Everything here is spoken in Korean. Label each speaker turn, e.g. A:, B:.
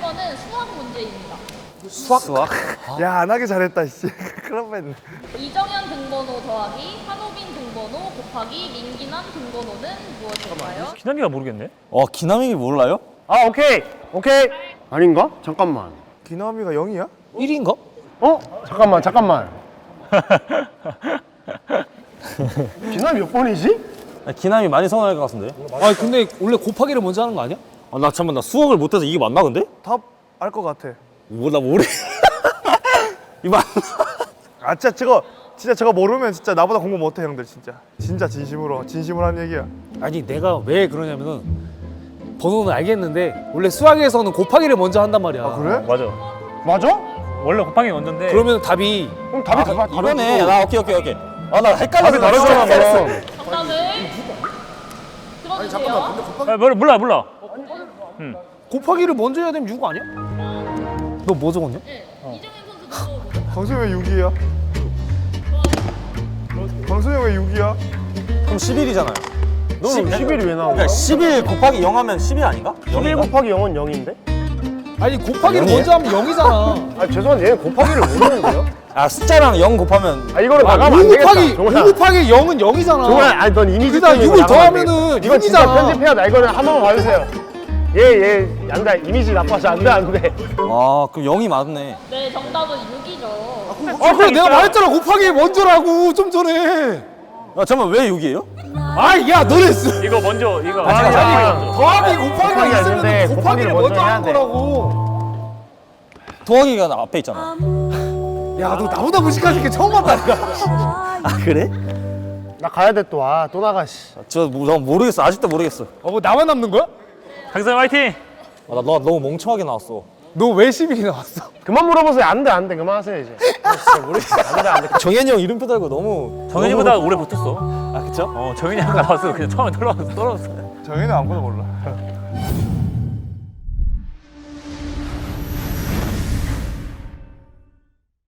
A: 1번은 수학 문제입니다.
B: 수학?
C: 야, 안 하기 잘했다, 씨. 그런 뻔.
A: 이정현 등번호 더하기 한호빈 등번호 곱하기 민기남 등번호는 무엇일까요?
D: 기남이가 모르겠네.
B: 기남이 몰라요?
D: 아 오케이.
E: 아닌가? 잠깐만.
C: 기남이가 0이야?
B: 1인가?
E: 잠깐만. 기남이 몇 번이지?
B: 기남이 많이 성공할 것 같은데.
F: 아 근데 원래 곱하기를 먼저 하는 거 아니야?
B: 나 잠깐만, 나 수학을 못해서 이게 맞나 근데?
C: 답 알 것 같아.
B: 나 모르. 이거
C: 아, 진짜 저거 모르면 진짜 나보다 공부 못해, 형들, 진짜. 진짜 진심으로 하는 얘기야.
F: 아니 내가 왜 그러냐면은 번호는 알겠는데 원래 수학에서는 곱하기를 먼저 한단 말이야.
C: 아, 그래?
D: 맞아.
E: 맞아?
D: 원래 곱하기 먼저인데.
F: 그러면 답이
E: 그럼 답이 다르지.
B: 이거네. 나 오케이. 나 헷갈려서
E: 답이 다르잖아, 그럼.
A: 정답을 들어주세요.
D: 몰라.
F: 곱하기를 먼저 해야 되면 6 아니야? 너 뭐 적었냐?
A: 네, 이정현 선수도
C: 광수형 왜 6이야? 광수형 왜 6이야?
B: 그럼 11이잖아요.
E: 11이 왜 나온 거야?
B: 그러니까 11 곱하기 0 하면 10이 아닌가?
E: 11 곱하기 0은 0인데?
F: 아니 곱하기를
B: 0이에요?
F: 먼저 하면 0이잖아.
E: 아 죄송한데 얘는 곱하기를 모르는데요?
B: 숫자랑 0 곱하면
E: 이거는
F: 5
E: 나가면 안 되겠다.
F: 곱하기 5 곱하기 0은 0이잖아.
E: 정말 아니 넌 이미지
F: 그다음
E: 때문에
F: 6을
E: 이거 나가면 안
F: 더하면은
E: 돼. 이건 진짜
F: 6이잖아.
E: 편집해야 돼. 이거는 한 번만 봐주세요. 얘 안돼 이미지 나빠서 안돼.
B: 그럼 0이 맞네.
A: 네, 정답은 6이죠.
F: 그래 내가 말했잖아 곱하기 먼저라고 좀 전에.
B: 잠깐만, 왜 6이에요?
F: 야 너네
D: 이거 먼저 이거.
F: 더하기 곱하기가
E: 곱하기가
F: 있으면
E: 있는데
F: 곱하기를
E: 곱하기를
F: 먼저
E: 먼저
F: 하는
E: 해야 돼.
F: 거라고.
B: 더하기가 앞에 있잖아.
F: 야 너 나보다 무식한 게 처음 봤다니까.
B: 그래?
E: 나 가야 돼 또. 또 나가 씨.
B: 나 모르겠어. 아직도 모르겠어.
F: 뭐 나만 남는 거야?
D: 강선 화이팅.
B: 나 너무 멍청하게 나왔어.
F: 너 왜 11이 나왔어?
E: 그만 물어보세요. 안돼 그만하세요 이제. 진짜 모르겠어. 안돼.
B: 정현이 형 이름표 달고 너무.
D: 정현이보다
B: 너무...
D: 오래 붙었어.
B: 그쵸?
D: 정현이 아까 나왔어. 그냥 처음에 떨어졌어.
C: 정현이 아무거나 몰라.